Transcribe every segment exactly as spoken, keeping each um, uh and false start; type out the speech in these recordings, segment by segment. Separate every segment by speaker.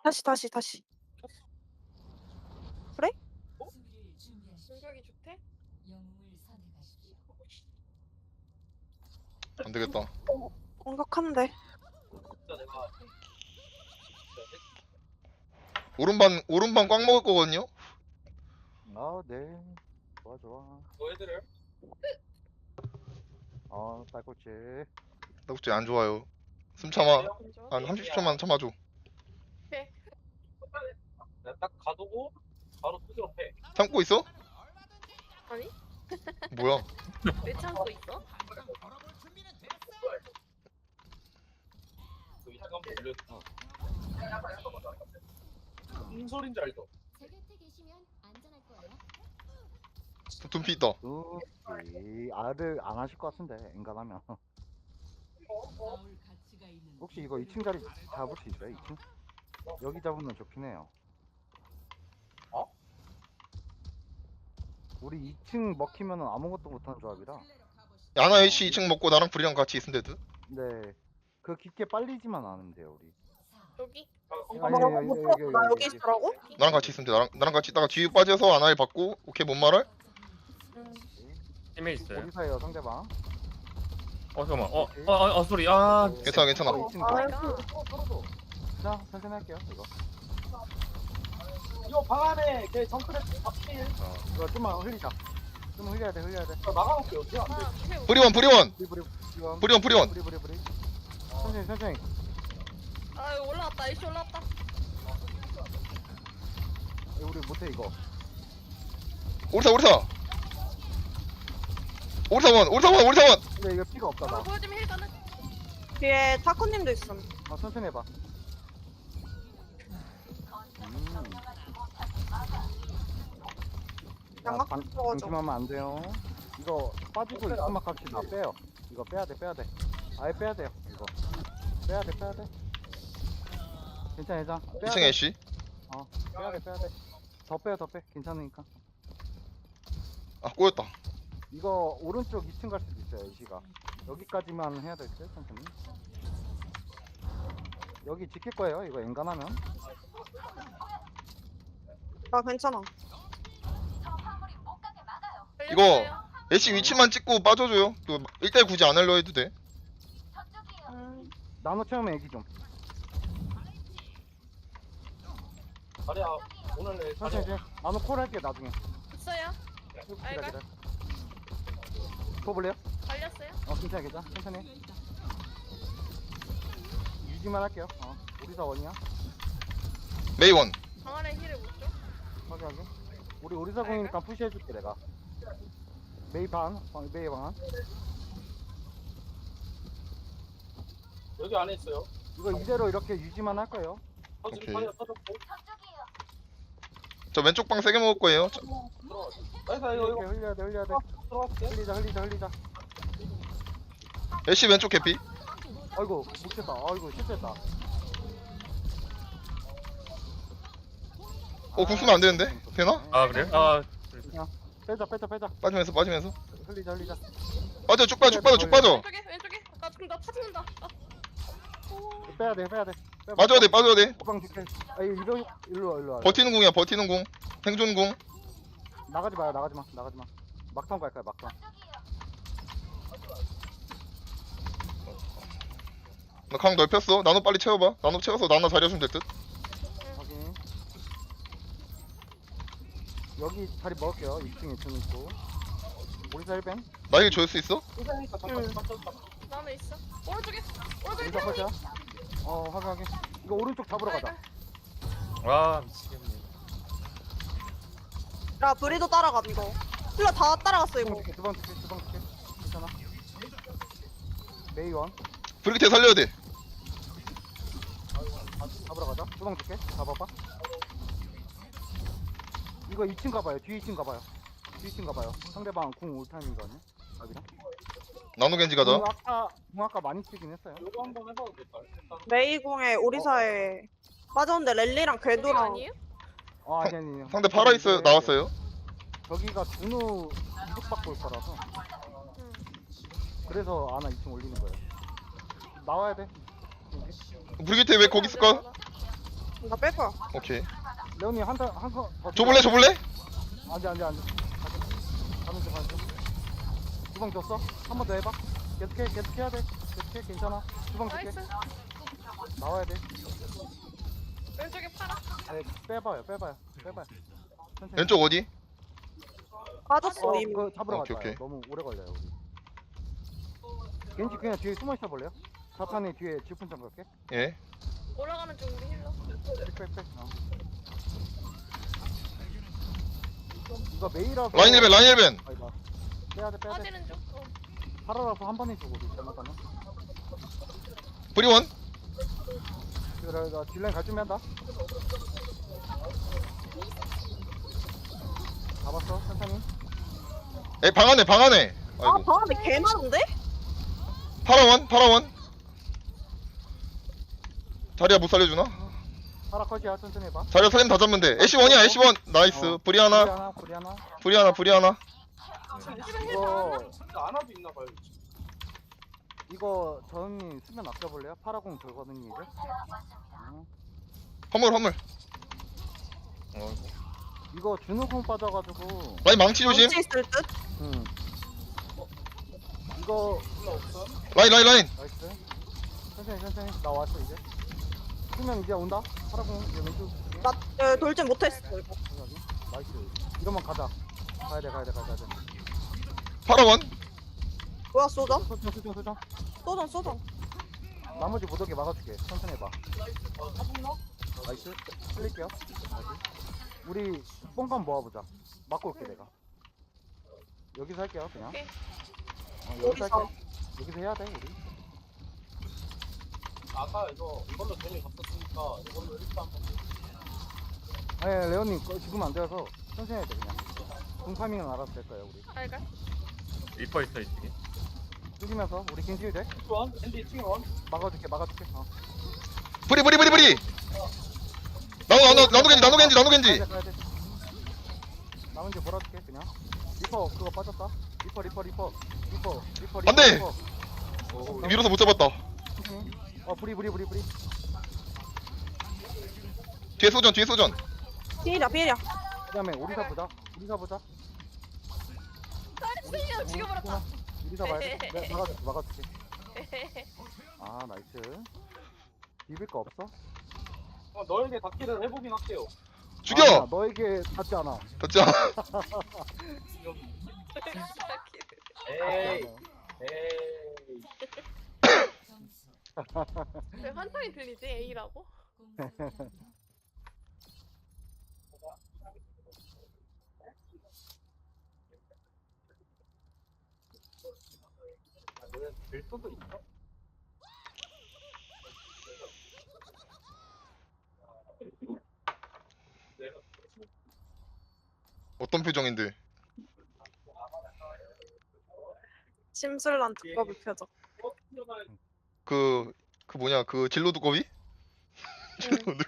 Speaker 1: 다시 다시 다시. 그래?
Speaker 2: 어? 공격이 좋대?
Speaker 3: 안 되겠다.
Speaker 1: 어, 공격한데.
Speaker 3: 오른반 오른반 꽉 먹을 거거든요.
Speaker 4: 아, 네. 좋아, 좋아.
Speaker 2: 뭐 해드려요?
Speaker 4: 아, 딸꾹질.
Speaker 3: 나 혹시 안 좋아요. 숨 참아.
Speaker 2: 좋아?
Speaker 3: 한 삼십 초만 참아줘.
Speaker 2: 내가 딱 가두고 바로 투지로 패.
Speaker 3: 참고 있어?
Speaker 2: 아니?
Speaker 3: 뭐야?
Speaker 2: 왜 참고 있어? 그 이상한 거 올렸어. 무슨 소린지 알죠?
Speaker 5: 제 곁에 계시면 안전할 거예요.
Speaker 3: 둠피 있다.
Speaker 4: 둠피. 아들 안 하실 것 같은데, 인간하면. 혹시 이거 이 층 자리 잡을 수 있어요, 이 층? 여기 잡으면 좋긴 해요.
Speaker 2: 어?
Speaker 4: 우리 이 층 먹히면은 아무것도 못하는 조합이라.
Speaker 3: 야나 A씨 이 층 먹고 나랑 불이랑 같이 있으면 되듯.
Speaker 4: 네. 그 깊게 빨리지만 않으면 돼요, 우리.
Speaker 2: 여기?
Speaker 4: 아니,
Speaker 1: 어머,
Speaker 4: 아니, 아니,
Speaker 1: 못
Speaker 4: 여기,
Speaker 1: 들었어. 나 여기
Speaker 4: 여기.
Speaker 1: 있으라고?
Speaker 3: 나랑 같이 있으면 돼. 나랑 나랑 같이 있다가 뒤에 빠져서 아나를 받고 오케이 뭔 말할?
Speaker 6: 팀에 있어요.
Speaker 4: 어디서예요, 상대방?
Speaker 6: 어 잠깐만. 어, 어, 어, 어 소리. 아,
Speaker 3: 괜찮아 괜찮아.
Speaker 4: 어, 이 층
Speaker 1: 아,
Speaker 4: 가. 자, 천천히 할게요, 이거.
Speaker 2: 이거 방 안에 걔 정크레 박힐.
Speaker 4: 이거 좀만 흘리자. 좀 흘려야 돼, 흘려야 돼.
Speaker 2: 나가볼게요. 어떻게 안 돼?
Speaker 3: 브리원 브리원
Speaker 4: 브리, 브리, 브리,
Speaker 3: 브리원 브리원.
Speaker 4: 브리, 브리, 브리. 천천히, 천천히.
Speaker 2: 아 이거 올라왔다. 이씨 올라왔다.
Speaker 4: 이거 우리 못해, 이거.
Speaker 3: 오리사 오리사. 오리사원 오리사원 오리사원.
Speaker 4: 근데 이거 피가 없다, 나.
Speaker 2: 어, 보여주면 힐 가능.
Speaker 1: 뒤에 타코님도 있음.
Speaker 4: 아, 천천히 해봐. 음.
Speaker 1: 양각
Speaker 4: 방,
Speaker 1: 들어가죠.
Speaker 4: 방심하면 안 돼요. 이거 빠지고 입구막 합시다. 빼요. 이거 빼야 돼, 빼야 돼. 아예 빼야 돼요, 이거. 빼야 돼, 빼야 돼. 괜찮아, 괜찮아. 빼야
Speaker 3: 이 층
Speaker 4: 돼.
Speaker 3: A씨.
Speaker 4: 어, 빼야 돼, 빼야 돼. 더 빼요, 더 빼. 괜찮으니까.
Speaker 3: 아 꼬였다.
Speaker 4: 이거 오른쪽 이 층 갈 수도 있어요, 이시가. 여기까지만 해야 될 듯, 천천히. 여기 지킬 거예요, 이거 엔간하면.
Speaker 1: 나 괜찮아.
Speaker 3: 이거 A씨 위치만 찍고 빠져줘요. 그 일 대 굳이 안 하려 해도 돼.
Speaker 1: 음,
Speaker 4: 나노 처음에 얘기 좀.
Speaker 2: 자리야 오늘 내
Speaker 4: 천천히,
Speaker 2: 자리야.
Speaker 4: 천천히. 나노 콜 할게, 나중에.
Speaker 2: 있어요?
Speaker 4: 기다려,
Speaker 2: 알갈?
Speaker 4: 기다려. 쳐볼래요?
Speaker 2: 갈렸어요?
Speaker 4: 어, 괜찮아, 괜찮아. 천천히. 유지만 할게요. 어, 우리 다 원이야.
Speaker 3: 메이원.
Speaker 2: 방 안에 힐을 못 줘?
Speaker 4: 확인, 확인. 우리 오리사공이니까 푸시해줄게, 내가. 메이 반, 어, 메이 반.
Speaker 2: 여기 안에 있어요.
Speaker 4: 이거 이대로 이렇게 유지만 할 거예요.
Speaker 2: 터지
Speaker 3: 오케이.
Speaker 2: 타이어 터졌고.
Speaker 3: 저 왼쪽 방 세 개 먹을 거예요. 저-
Speaker 2: 들어가. 나이스 이거
Speaker 4: 이렇게
Speaker 2: 이거
Speaker 4: 흘려야 돼, 흘려야 돼.
Speaker 2: 들어갈게.
Speaker 4: 흘리자, 흘리자, 흘리자.
Speaker 3: A씨 왼쪽 개피.
Speaker 4: 아이고, 못했다. 아이고, 실패했다.
Speaker 3: 어, 궁 쓰면 안 되는데? 되나?
Speaker 6: 아 그래요? 아,
Speaker 4: 빼자, 빼자, 빼자.
Speaker 3: 빠지면서 빠지면서.
Speaker 4: 흘리자, 흘리자.
Speaker 3: 빠져 쭉 빠져 쭉 빠져 쭉 빠져.
Speaker 2: 왼쪽에 왼쪽에. 나 지금 나 타진다. 아.
Speaker 4: 빼야 돼, 빼야 돼. 빼봐.
Speaker 3: 빠져야 돼 빠져야 돼.
Speaker 4: 호방 줄게. 아, 이거 이러, 일로 와, 일로 와.
Speaker 3: 버티는 궁이야 버티는 궁. 생존 궁.
Speaker 4: 나가지 마요, 나가지 마, 나가지 마. 막상 갈 거야, 막상.
Speaker 3: 나 강 넓혔어. 나노 빨리 채워봐. 나노 채워서 나나 자리해주면 될 듯.
Speaker 4: 확인. 여기 자리 먹을게요. 이 층, 이 층 있고. 우리 살벤.
Speaker 3: 나일 줄 수 있어?
Speaker 2: 이사니까 잠깐 잠깐. 나는 있어. 오른쪽에. 오른쪽에
Speaker 4: 우리
Speaker 2: 태양이.
Speaker 4: 살자. 어, 확인, 확인. 이거 오른쪽 잡으러 가자.
Speaker 6: 와 미치겠네.
Speaker 1: 야 브리도 따라감 이거. 힐러 다 따라갔어 이거.
Speaker 4: 두방 줄게, 두방 줄게. 괜찮아. 메이원.
Speaker 3: 브리기테 살려야 돼.
Speaker 4: 잡으러 가자. 두방 줄게. 잡아봐. 이거 이 층 가봐요. 뒤 이 층 가봐요. 뒤 이 층 가봐요. 상대방 궁 올 타임이거든요. 아비랑.
Speaker 3: 나노 겐지 가자.
Speaker 4: 궁 아까 궁 아까 많이 쓰긴 했어요.
Speaker 2: 이거 한번 해봐도 될까? 일단
Speaker 1: 메이공에 오리사에 빠졌는데 랠리랑
Speaker 2: 저기
Speaker 1: 궤도랑
Speaker 2: 아니에요?
Speaker 4: 어, 아니 아니. 아니.
Speaker 3: 상대 팔아 있어요.
Speaker 4: 이게
Speaker 3: 나왔어요.
Speaker 4: 저기가 준우 이득받고 올 거라서.
Speaker 2: 응.
Speaker 4: 그래서 아나 이 층 올리는 거예요. 나와야 돼.
Speaker 3: 브리기테 왜 거기 있을까?
Speaker 1: 나 뺄 거야.
Speaker 3: 오케이.
Speaker 4: 레온이 한한거
Speaker 3: 줘볼래 줘볼래?
Speaker 4: 안돼 안돼 안돼. 가는 중 가는 중. 주방 줬어? 한 번 더 해봐. 계속해 계속해야 돼. 계속해 괜찮아. 주방 줄게.
Speaker 2: 나이스.
Speaker 4: 나와야 돼.
Speaker 2: 왼쪽에 팔아.
Speaker 4: 네, 빼봐요 빼봐요 빼봐요. 천천히.
Speaker 3: 왼쪽 어디?
Speaker 1: 빠졌어
Speaker 4: 어,
Speaker 1: 이미.
Speaker 4: 그거 잡으러
Speaker 3: 오케이,
Speaker 4: 갈까요?
Speaker 3: 오케이.
Speaker 4: 너무 오래 걸려요 우리. 겐지 그냥 뒤에 숨어 있어 볼래요? 자탄이 뒤에 질풍장 걸게.
Speaker 3: 예.
Speaker 2: 올라가는 중 우리 힐러.
Speaker 4: 빽빽빽. 어. 이거 메이라서.
Speaker 3: 라인 일벤 라인 일벤.
Speaker 4: 아이가. 빼야 돼 빼야 돼.
Speaker 2: 빠지는 중. 어.
Speaker 4: 팔아라서 한 번에 주고 우리 잘못하면.
Speaker 3: 브리원.
Speaker 4: 그래 나 딜라인 갈 준비한다. 잡았어 천천히.
Speaker 3: 에방 안에 방 안에.
Speaker 1: 아
Speaker 3: 아이고.
Speaker 1: 방 안에 개 많은데?
Speaker 3: 파라원 파라원. 자리야 못 살려주나?
Speaker 4: 파라 컷이야 천천히 해봐.
Speaker 3: 자리야 살림 다 잡으면 돼. 애쉬 원이야 애쉬 원. 나이스.
Speaker 4: 어.
Speaker 3: 브리
Speaker 4: 불이
Speaker 3: 하나
Speaker 4: 하나 불이 하나.
Speaker 3: 브리 하나 브리 하나.
Speaker 4: 이거 이거 저언니 수면 아껴볼래요? 파라공 돌거든요 이제. 응.
Speaker 3: 허물 허물.
Speaker 6: 어,
Speaker 4: 이거 준우공 빠져가지고.
Speaker 3: 라인 망치 조심.
Speaker 1: 망치 있을 듯?
Speaker 4: 응. 이거
Speaker 3: 라인 라인 라인.
Speaker 4: 나이스. 천천히 천천히 나 왔어 이제. 수면 이제 온다. 파라공 이제 왼쪽.
Speaker 1: 나 어, 돌진 못했어 이거.
Speaker 4: 여기. 나이스. 이러면 가자. 가야 돼 가야 돼 가야 돼.
Speaker 3: 파라원.
Speaker 1: 뭐야 쏘자?
Speaker 4: 소정 소정 소정.
Speaker 1: 쏘자 쏘자.
Speaker 4: 나머지 못 오게 막아줄게. 천천히 해봐. 나이스. 흘릴게요. 나이스. 우리 뽕감 모아보자. 막고 올게 내가. 여기서 할게요 그냥.
Speaker 2: 오케이.
Speaker 4: 어, 여기서
Speaker 1: 어디서?
Speaker 4: 할게. 여기서 해야 돼 우리.
Speaker 7: 아까 이거 이걸로 돈이 갚았으니까 이걸로 일단 한번
Speaker 4: 아니 레온님 거 죽으면 안 돼서 천천히 해야 돼 그냥. 공 파밍은 알아서 될 거예요 우리.
Speaker 2: 알갈.
Speaker 6: 리퍼 있어 이쪽에.
Speaker 4: 죽이면서 우리 긴지를 돼?
Speaker 7: 원 앤디 칭원
Speaker 4: 막아줄게 막아줄게. 어.
Speaker 3: 브리 브리 브리 브리. 나노 나노 나노 겐지 나노 겐지 나노
Speaker 4: 가야
Speaker 3: 겐지.
Speaker 4: 돼 가야 돼. 나 먼저 몰아줄게 그냥. 리퍼 그거 빠졌다. 리퍼 리퍼 리퍼 리퍼 리퍼 리퍼.
Speaker 3: 안 돼!
Speaker 4: 리퍼.
Speaker 3: 밀어서 못 잡았다.
Speaker 4: 천천히. 어 브리 브리 브리 브리.
Speaker 3: 뒤에 소전 뒤에 소전.
Speaker 1: 피해라 피해라.
Speaker 4: 그다음에 우리사 보자. 우리사 보자.
Speaker 2: 나이스. 죽여버렸다.
Speaker 4: 우리사 봐야 돼. 내가 막아줄게 막아줄게. 아 나이스. 비빌 거 없어?
Speaker 7: 어, 너에게 닿기를 해보긴 할게요.
Speaker 3: 죽여.
Speaker 4: 아니야, 너에게 닿지 않아.
Speaker 3: 졌자.
Speaker 7: 에이 에이
Speaker 2: 왜 환상이 들리지? A라고?
Speaker 7: 될 수도 있어.
Speaker 3: 어떤 표정인데?
Speaker 1: 심술난 두꺼비 표정.
Speaker 3: 그, 그 뭐냐, 그 진로 두꺼비? 진로 두꺼비.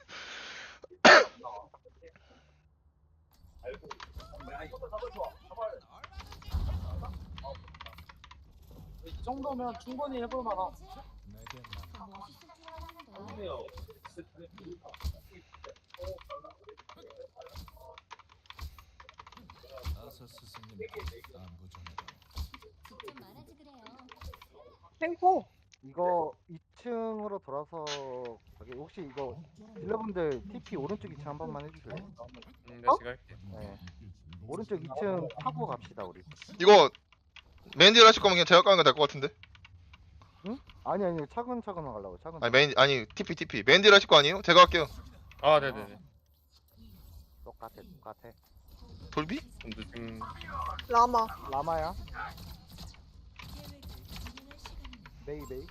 Speaker 7: 이 정도면 충분히 해볼 만한.
Speaker 5: 멋있어
Speaker 8: 아서 스승님 안부 전해라.
Speaker 5: 직접 말하지 그래요.
Speaker 1: 탱포.
Speaker 4: 이거 이 층으로 돌아서 저기 혹시 이거 딜러분들 티피 오른쪽 이 층 한 번만 해주실래요?
Speaker 6: 음, 내가 지금 할게.
Speaker 4: 네. 오른쪽 이 층 타고 갑시다 우리.
Speaker 3: 이거 메인 딜 하실 거면 그냥 제가 까는 게 될 것 같은데?
Speaker 4: 아니 아니 차근차근 가려고 차근.
Speaker 3: 아니 메인 아니 티피 티피 메인 딜 하실 거 아니에요? 제가 할게요.
Speaker 6: 아, 네네네.
Speaker 4: 똑같아 똑같아.
Speaker 3: 돌비?
Speaker 6: 좀 늦은.
Speaker 1: 라마.
Speaker 4: 라마야. 메이 메이.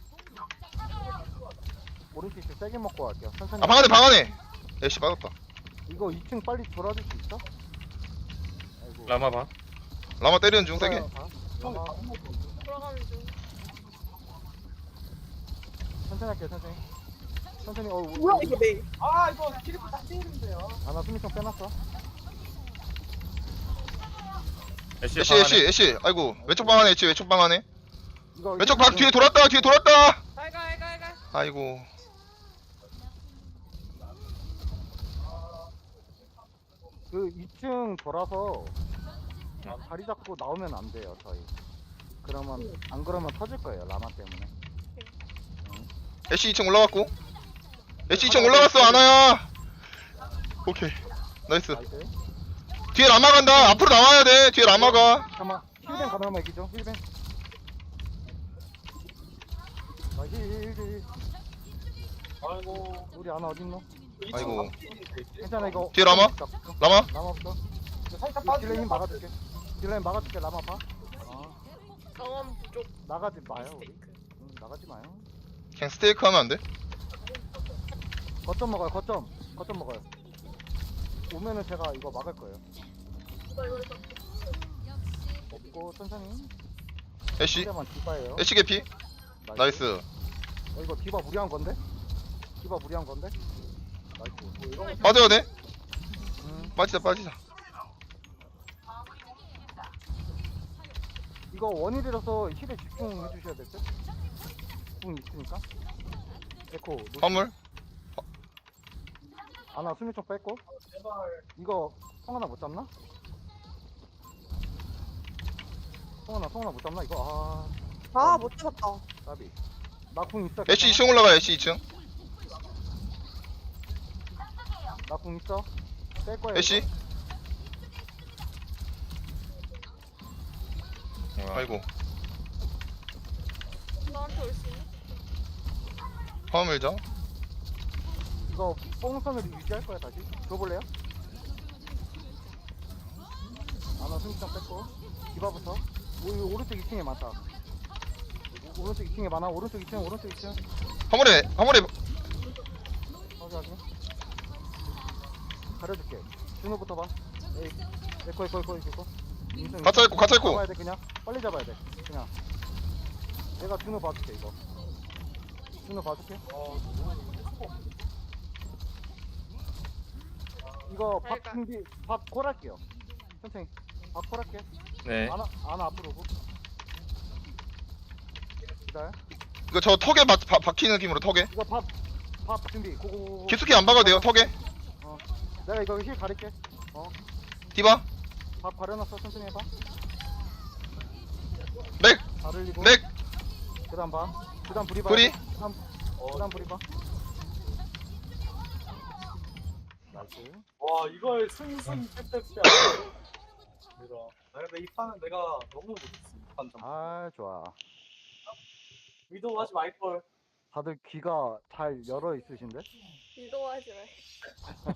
Speaker 4: 오른쪽 이 층 세게 먹고 갈게요. 천천히.
Speaker 3: 아 방 안에 방 안에. 애쉬 빠졌다.
Speaker 4: 이거 이 층 빨리 돌아줄 수 있어? 아이고.
Speaker 6: 라마 봐.
Speaker 3: 라마 때리는 중 세게.
Speaker 4: 돌아가. 라마.
Speaker 2: 돌아가는 중.
Speaker 4: 천천히 할게요 천천히. 천천히. 어
Speaker 1: 뭐야 이게 메이.
Speaker 7: 아 이거 키리프 딱 찌는데요.
Speaker 4: 아나 수미총 빼놨어.
Speaker 6: 애쉬
Speaker 3: 애쉬 애쉬 애쉬. 아이고 왼쪽 방 안에 애쉬 왼쪽 방 안에.
Speaker 4: 이거
Speaker 3: 왼쪽 방 뒤에 돌았다 뒤에 돌았다.
Speaker 2: 알갈 알갈 알갈.
Speaker 3: 아이고
Speaker 4: 그 이 층 돌아서 자리 잡고 나오면 안 돼요 저희. 그러면 안 그러면 터질 거예요 라마 때문에.
Speaker 3: 애쉬 이 층 올라갔고. 애쉬 이 층 올라갔어 아나야. 오케이 나이스.
Speaker 4: 나이스.
Speaker 3: 뒤에 라마 간다. 앞으로 나와야 돼. 뒤에 라마가.
Speaker 4: 잠깐만 힐뱅 가능하면 이기죠 힐뱅. 아, 힐, 힐, 힐, 힐.
Speaker 7: 아이고.
Speaker 4: 우리 아나 어딨노?
Speaker 3: 아이고.
Speaker 4: 괜찮아 이거.
Speaker 3: 뒤에 라마? 라마.
Speaker 4: 라마부터.
Speaker 7: 살짝
Speaker 4: 딜레인
Speaker 7: 빠지면
Speaker 4: 막아줄게. 딜레인 막아줄게 라마 봐. 아,
Speaker 2: 강원 부족
Speaker 4: 나가지 마요 우리.
Speaker 2: 스테이크.
Speaker 4: 응, 나가지 마요.
Speaker 3: 그냥 스테이크 하면 안 돼?
Speaker 4: 거점 먹어요 거점. 거점 먹어요. 오면은 제가 이거 막을 거예요. 먹고 천천히.
Speaker 3: 애쉬.
Speaker 4: 상대만 디바예요.
Speaker 3: 애쉬 개피. 나이스.
Speaker 4: 어, 이거 디바 무리한 건데? 디바 무리한 건데? 나이스. 뭐 이런
Speaker 3: 빠져야 돼.
Speaker 4: 음,
Speaker 3: 빠지자 빠지자.
Speaker 4: 이거 원일이라서 힐에 집중해 주셔야 될 듯? 궁 있으니까. 에코. 노-
Speaker 3: 화물.
Speaker 4: 아나 수면 좀 뺐고. 이거 성하나 못 잡나? 성하나 성하나 못 잡나 이거?
Speaker 1: 아, 못 잡았다.
Speaker 4: 아 까비. 나 궁 있어.
Speaker 3: 애쉬 이 층 올라가. 애쉬 이 층.
Speaker 4: 나궁 있어. 뺄 거야.
Speaker 3: 애쉬. 아이고.
Speaker 2: 나한테 올 수 있니?
Speaker 3: 화물 자.
Speaker 4: 이거 뽕선을 유지할 거야 다시. 줘볼래요? 아나 수면 좀 뺐고. 디바부터. 오, 이거 오른쪽 이 층에 많다. 오, 오른쪽 이 층에 많아. 오른쪽 이 층, 오른쪽 이 층.
Speaker 3: 화물에 화물에
Speaker 4: 확인 확인. 가려줄게. 준호부터 봐. 에이, 에코 에코 에코 에코. 인생
Speaker 3: 가차 있고 가차 있고.
Speaker 4: 잡아야 돼 그냥. 빨리 잡아야 돼. 그냥. 내가 준호 봐줄게 이거. 준호 봐줄게. 이거 밥
Speaker 2: 그러니까.
Speaker 4: 준비, 밥 콜할게요. 천천히. 밥 콜할게.
Speaker 6: 네.
Speaker 4: 아나 아나 앞으로 오고. 기다려.
Speaker 3: 이거 저 턱에 박, 박, 박히는 느낌으로 턱에.
Speaker 4: 이거 밥 밥 준비. 고고고고.
Speaker 3: 깊숙이 안 박아도 돼요 턱에.
Speaker 4: 내가 이거 힐 가릴게.
Speaker 3: 디바.
Speaker 4: 밥 가려놨어. 천천히 해봐.
Speaker 3: 맥.
Speaker 4: 다 흘리고.
Speaker 3: 맥.
Speaker 4: 그다음 봐. 그다음 불이 봐.
Speaker 3: 불이.
Speaker 4: 그다음 그다음 불이 봐. 나이스.
Speaker 7: 와 이걸 승승 패패패. 내가. 나 근데 이 판은 내가 너무 못했어. 이 판 좀.
Speaker 4: 아 좋아.
Speaker 7: 위도하지 말걸.
Speaker 4: 다들 귀가 잘 열어 있으신데?
Speaker 2: 이도하지 말.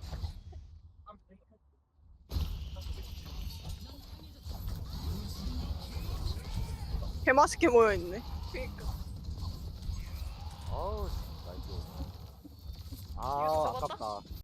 Speaker 1: 개맛있게 모여있네.
Speaker 2: 그니까.
Speaker 4: 어우 나이스. 아
Speaker 2: 이거 잡았다?
Speaker 4: 아깝다.